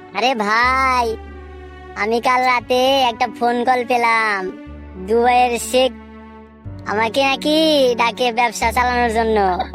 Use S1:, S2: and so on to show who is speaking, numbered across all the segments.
S1: আরে ভাই, আমি কাল রাতে একটা ফোন কল পেলাম। দুবাইয়ের শেখ আমাকে নাকি ডাকে ব্যবসা চালানোর জন্য।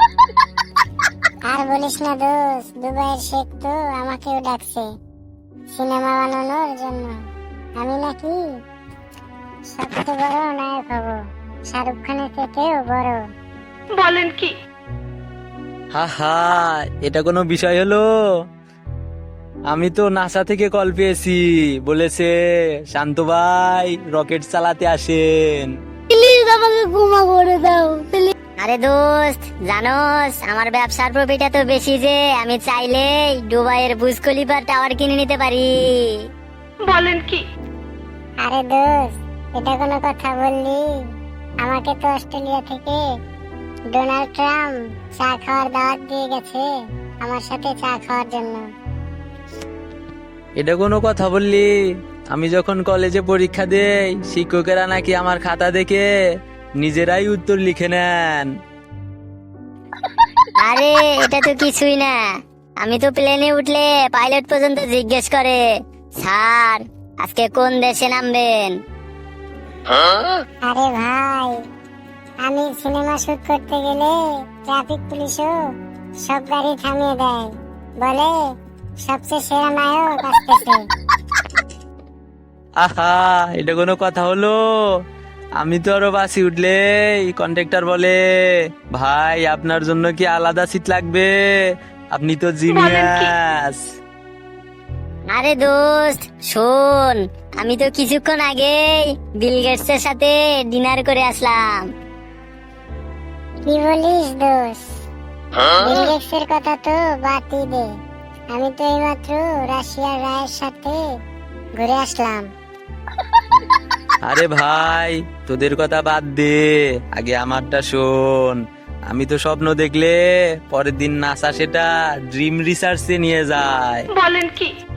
S2: আর বলিস না দোস্ত, দুবাইয়ের শেখ তো আমাকেও ডাকছে সিনেমা বানানোর জন্য। আমি নাকি সবচেয়ে বড় নায়ক হব, শাহরুখ খানের থেকেও বড়।
S3: বলেন কি?
S4: হা হা, এটা কোনো বিষয় হলো? আমি তো নাসা থেকে কল পেয়েছি, বলেছে শান্ত ভাই রকেট চালাতে আসেন।
S2: প্লিজ আমাকে ক্ষমা করে দাও।
S1: আরে দোস্ত, জানোস আমার ব্যবসার প্রফিট এত বেশি যে আমি চাইলেই দুবাইয়ের বুর্জ খলিফা টাওয়ার কিনে নিতে পারি।
S3: বলেন কি?
S2: আরে দোস্ত, এটা কোনো কথা বললি? আমাকে তো অস্ট্রেলিয়া থেকে ডোনাল্ড ট্রাম্প চা খাওয়ার দাওয়াত দিয়ে গেছে, আমার সাথে চা খাওয়ার জন্য।
S4: এটা কোনো কথা বললি? আমি যখন কলেজে পরীক্ষা দেই, শিক্ষকেরা নাকি আমার খাতা দেখে নিজেরাই উত্তর লিখে নেন।
S1: আরে এটা তো কিছুই না, আমি তো প্লেনে উঠলে পাইলট পর্যন্ত জিজ্ঞেস করে, স্যার আজকে কোন দেশে নামবেন।
S2: আরে ভাই, আমি সিনেমা শুট করতে গেলে ট্রাফিক পুলিশও সব গাড়ি থামিয়ে দেয়, বলে সবচেয়ে সেরা নায়ক আসতেছে।
S4: আহা, এটা কোনো কথা হলো? আমি তো আরো বাসি উঠলে কন্ট্রাক্টর বলে, ভাই আপনার জন্য কি আলাদা সিট লাগবে? আপনি তো জিনিয়াস।
S1: আরে দোস্ত শোন, আমি তো কিছুক্ষণ আগেই বিল গেটস এর সাথে ডিনার করে আসলাম।
S2: কি বলিস দোষ? বিল গেটসের কথা তো বাদই দে, আমি তো এইমাত্র রাশিয়ার রায়ের সাথে ঘুরে আসলাম।
S4: আরে ভাই, তোদের কথা বাদ দে, আগে আমারটা শোন। আমি তো স্বপ্ন দেখলে পরের দিন নাসা সেটা ড্রিম রিসার্চে নিয়ে যায়।
S3: বলেন কি?